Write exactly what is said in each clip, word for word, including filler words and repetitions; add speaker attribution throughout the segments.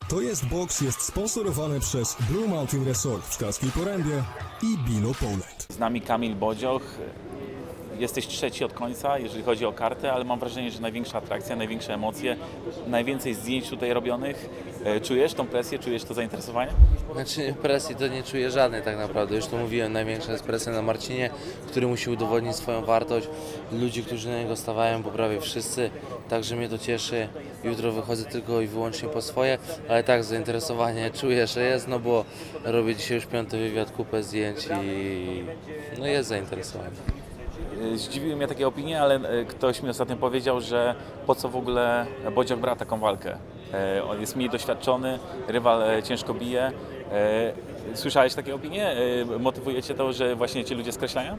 Speaker 1: To jest boks jest sponsorowany przez Blue Mountain Resort w Szklarskiej Porębie i Bilo Poland.
Speaker 2: Z nami Kamil Bodzioch. Jesteś trzeci od końca, jeżeli chodzi o kartę, ale mam wrażenie, że największa atrakcja, największe emocje, najwięcej zdjęć tutaj robionych. Czujesz tą presję, czujesz to zainteresowanie?
Speaker 3: Znaczy presji to nie czuję żadnej tak naprawdę, już to mówiłem, największa jest presja na Marcinie, który musi udowodnić swoją wartość, ludzi, którzy na niego stawiają, bo prawie wszyscy, także mnie to cieszy, jutro wychodzę tylko i wyłącznie po swoje, ale tak zainteresowanie czuję, że jest, no bo robię dzisiaj już piąty wywiad, kupę zdjęć i no jest zainteresowanie.
Speaker 2: Zdziwiły mnie takie opinie, ale ktoś mi ostatnio powiedział, że po co w ogóle Bodzioch brał taką walkę. On jest mniej doświadczony, rywal ciężko bije. Słyszałeś takie opinie? Motywuje Cię to, że właśnie Cię ludzie skreślają?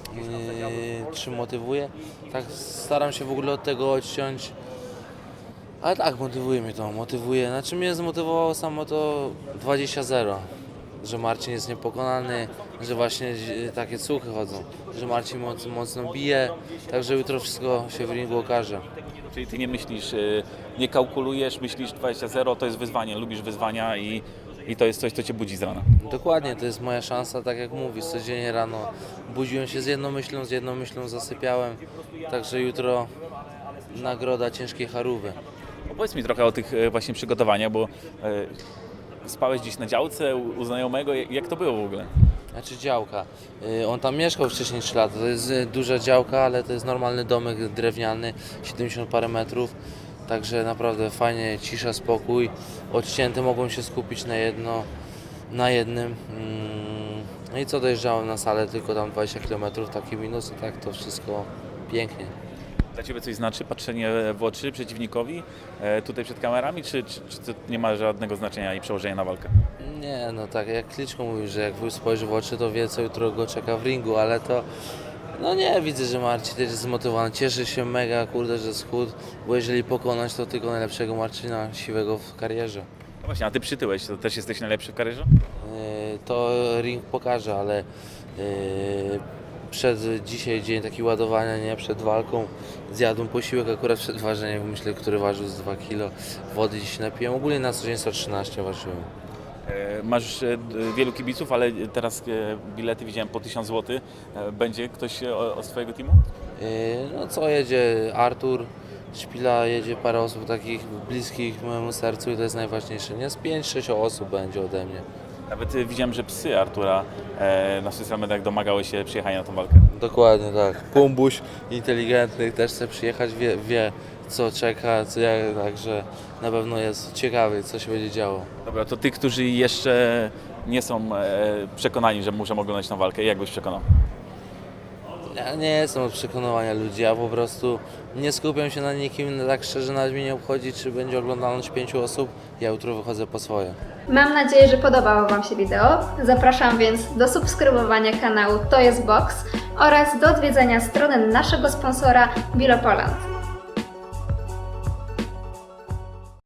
Speaker 3: Yy, czy motywuje? Tak staram się w ogóle od tego odciąć. Ale tak, motywuje mnie to, motywuje. Znaczy mnie zmotywowało samo to dwadzieścia zero. Że Marcin jest niepokonany, że właśnie takie słuchy chodzą, że Marcin moc, mocno bije, także jutro wszystko się w ringu okaże.
Speaker 2: Czyli Ty nie myślisz, nie kalkulujesz, myślisz dwadzieścia zero, to jest wyzwanie, lubisz wyzwania i, i to jest coś, co Cię budzi z rana.
Speaker 3: Dokładnie, to jest moja szansa, tak jak mówisz, codziennie rano budziłem się z jedną myślą, z jedną myślą zasypiałem, także jutro nagroda ciężkiej charówy.
Speaker 2: Opowiedz mi trochę o tych właśnie przygotowaniach, bo spałeś gdzieś na działce u znajomego, jak to było w ogóle?
Speaker 3: Znaczy działka. On tam mieszkał wcześniej trzy lata. To jest duża działka, ale to jest normalny domek drewniany, siedemdziesiąt parę metrów. Także naprawdę fajnie, cisza, spokój. Odcięty mogą się skupić na jedno, na jednym. No i co, dojeżdżałem na salę tylko tam dwadzieścia kilometrów, taki minus, i tak to wszystko pięknie.
Speaker 2: Dla Ciebie coś znaczy patrzenie w oczy przeciwnikowi e, tutaj przed kamerami, czy, czy, czy to nie ma żadnego znaczenia i przełożenia na walkę?
Speaker 3: Nie, no tak jak Klitschko mówił, że jak wuj spojrzy w oczy, to wie, co jutro go czeka w ringu, ale to no nie, widzę, że Marcin też jest zmotywowany, cieszy się mega, kurde, że schudł, bo jeżeli pokonać, to tylko najlepszego Marcina siwego w karierze.
Speaker 2: No właśnie, a Ty przytyłeś, to też jesteś najlepszy w karierze?
Speaker 3: Yy, to ring pokaże, ale yy, przed dzisiaj dzień taki ładowania, nie, przed walką zjadłem posiłek akurat przed ważeniem, myślę, który ważył z dwa kilo, wody dziś napiłem, ogólnie na co dzień sto trzynaście ważyłem.
Speaker 2: E, masz e, wielu kibiców, ale teraz e, bilety widziałem po tysiąc złotych. E, będzie ktoś e, o, z Twojego teamu?
Speaker 3: Yy, no co, jedzie Artur, Szpila, jedzie parę osób takich bliskich mojemu sercu i to jest najważniejsze, nie? Z pięć sześć osób będzie ode mnie.
Speaker 2: Nawet e, widziałem, że psy Artura e, na social mediach domagały się przyjechania na tą walkę.
Speaker 3: Dokładnie tak. Pumbuś inteligentny też chce przyjechać, wie, wie co czeka, co jak, także na pewno jest ciekawy, co się będzie działo.
Speaker 2: Dobra, to tych, którzy jeszcze nie są e, przekonani, że muszą oglądać tą walkę, jak byś przekonał?
Speaker 3: Ja nie jestem od przekonywania ludzi, ja po prostu nie skupiam się na nikim, tak szczerze nawet mnie nie obchodzi, czy będzie oglądalność pięciu osób, ja jutro wychodzę po swoje.
Speaker 4: Mam nadzieję, że podobało Wam się wideo. Zapraszam więc do subskrybowania kanału To jest Boks oraz do odwiedzenia strony naszego sponsora Bilo Poland.